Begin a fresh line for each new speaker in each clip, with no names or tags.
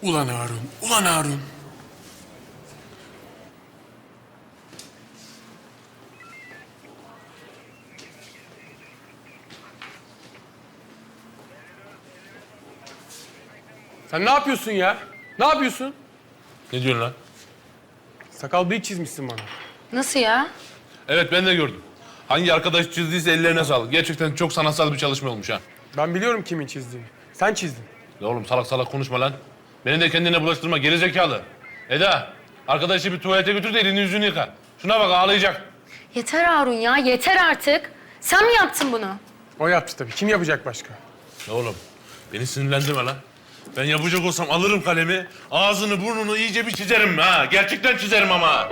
Ulan Harun, ulan Harun. Sen ne yapıyorsun ya? Ne yapıyorsun?
Ne diyorsun lan?
Sakal bıyık çizmişsin bana.
Nasıl ya?
Evet ben de gördüm. Hangi arkadaş çizdiyse ellerine sağlık. Gerçekten çok sanatsal bir çalışma olmuş ha.
Ben biliyorum kimin çizdiğini. Sen çizdin.
Ya oğlum salak salak konuşma lan. Beni de kendine bulaştırma gerizekalı. Eda, arkadaşı bir tuvalete götür de elini yüzünü yıka. Şuna bak ağlayacak.
Yeter Harun ya, yeter artık. Sen mi yaptın bunu?
O yaptı tabii. Kim yapacak başka?
Ya oğlum beni sinirlendirme lan. Ben yapacak olsam alırım kalemi, ağzını burnunu iyice bir çizerim ha. Gerçekten çizerim ama.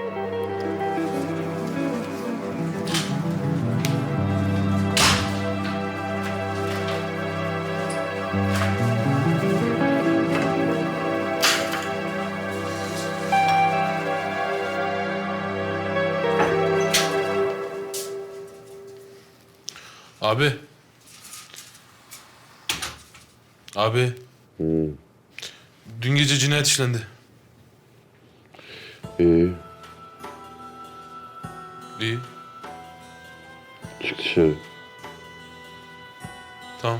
Abi. Abi. Dün gece cinayet işlendi.
İyi.
İyi.
Çık dışarı.
Tamam.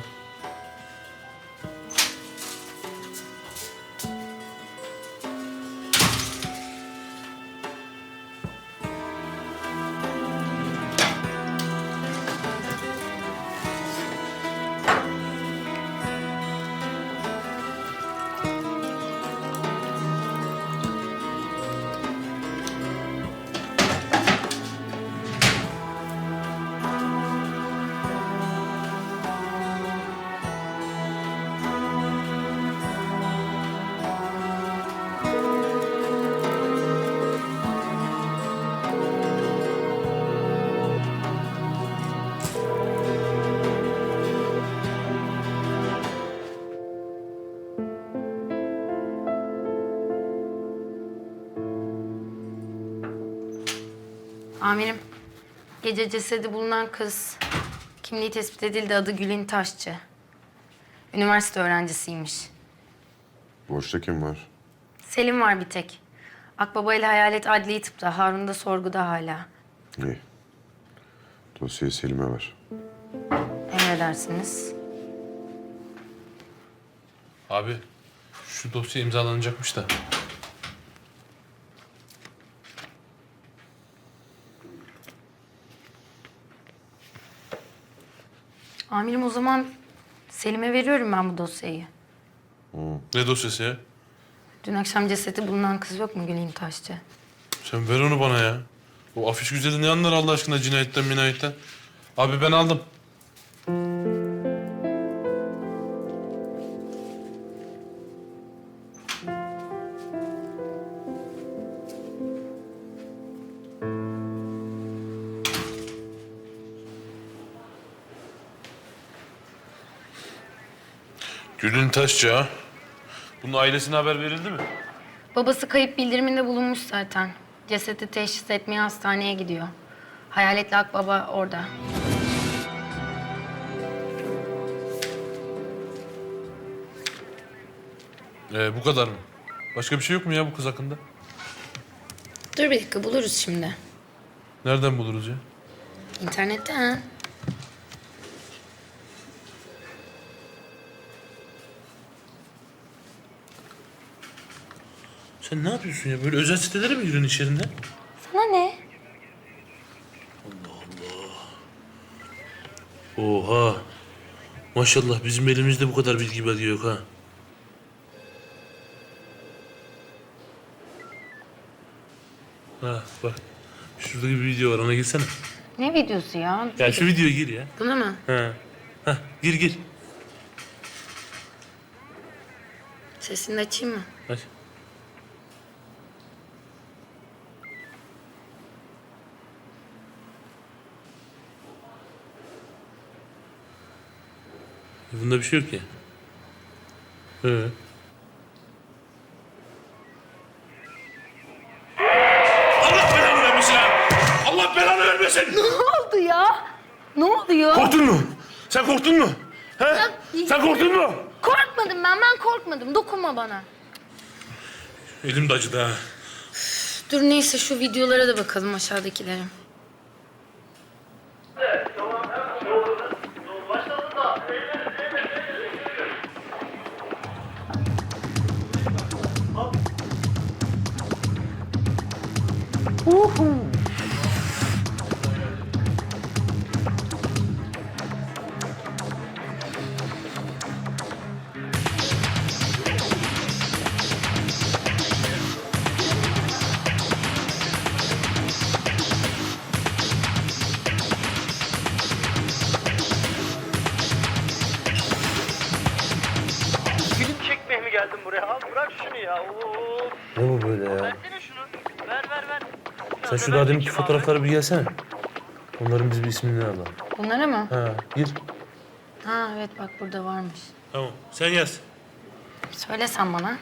Amirim, gece cesedi bulunan kız kimliği tespit edildi. Adı Gülin Taşçı. Üniversite öğrencisiymiş.
Boşta kim var?
Selim var bir tek. Akbaba ile Hayalet adli tıpta. Harun da sorguda hala.
İyi. Dosyayı Selim'e ver.
Emredersiniz.
Abi şu dosya imzalanacakmış da.
Amirim o zaman Selim'e veriyorum ben bu dosyayı.
Ne dosyası ya?
Dün akşam cesedi bulunan kız yok mu Gülin Taşçı?
Sen ver onu bana ya. O afiş güzeli ne anlar Allah aşkına cinayetten minayetten? Abi ben aldım. Gülün Taşçı ha. Bunun ailesine haber verildi mi?
Babası kayıp bildiriminde bulunmuş zaten. Cesedi teşhis etmeye hastaneye gidiyor. Hayaletli Akbaba orada.
Bu kadar mı? Başka bir şey yok mu ya bu kız hakkında?
Dur bir dakika buluruz şimdi.
Nereden buluruz ya?
İnternetten.
Sen ne yapıyorsun ya? Böyle özel sitelere mi giriyorsun iş yerinde?
Sana ne?
Oha. Maşallah bizim elimizde bu kadar bilgi belge yok ha. Ha bak. Şurada bir video var ona girsene.
Ne videosu ya?
Ya şu videoya gir ya.
Buna mı?
Ha. Ha gir.
Sesini de açayım mı?
Hadi. Bunda bir şey yok ya. Allah belanı vermesin ha! Allah belanı vermesin!
Ne oldu ya? Ne oluyor?
Korktun mu? Sen korktun mu? He? Sen korktun mu?
Korkmadım ben korkmadım. Dokunma bana.
Elim de acıdı ha.
Dur neyse şu videolara da bakalım aşağıdakilere.
Film çekmeye mi geldin buraya? Al bırak şunu ya. Oo.
Ne bu böyle ya?
Versene şunu. Ver.
Sen şu daha deminki fotoğraflara bir gelsene. Onların biz bir ismini alalım.
Bunlara mı?
Ha, gir.
Ha evet bak burada varmış.
Tamam, sen yaz.
Söylesen bana.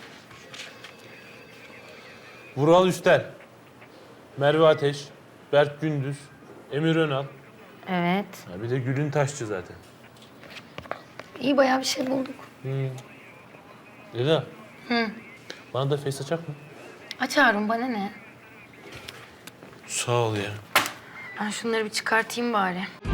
Vural Üstel, Merve Ateş, Berk Gündüz, Emir Önal.
Evet.
Ha, bir de Gülün Taşçı zaten.
İyi bayağı bir şey bulduk.
Eda. Bana da face açak mı?
Aç Harun bana ne?
Sağ ol ya.
Ben şunları bir çıkartayım bari.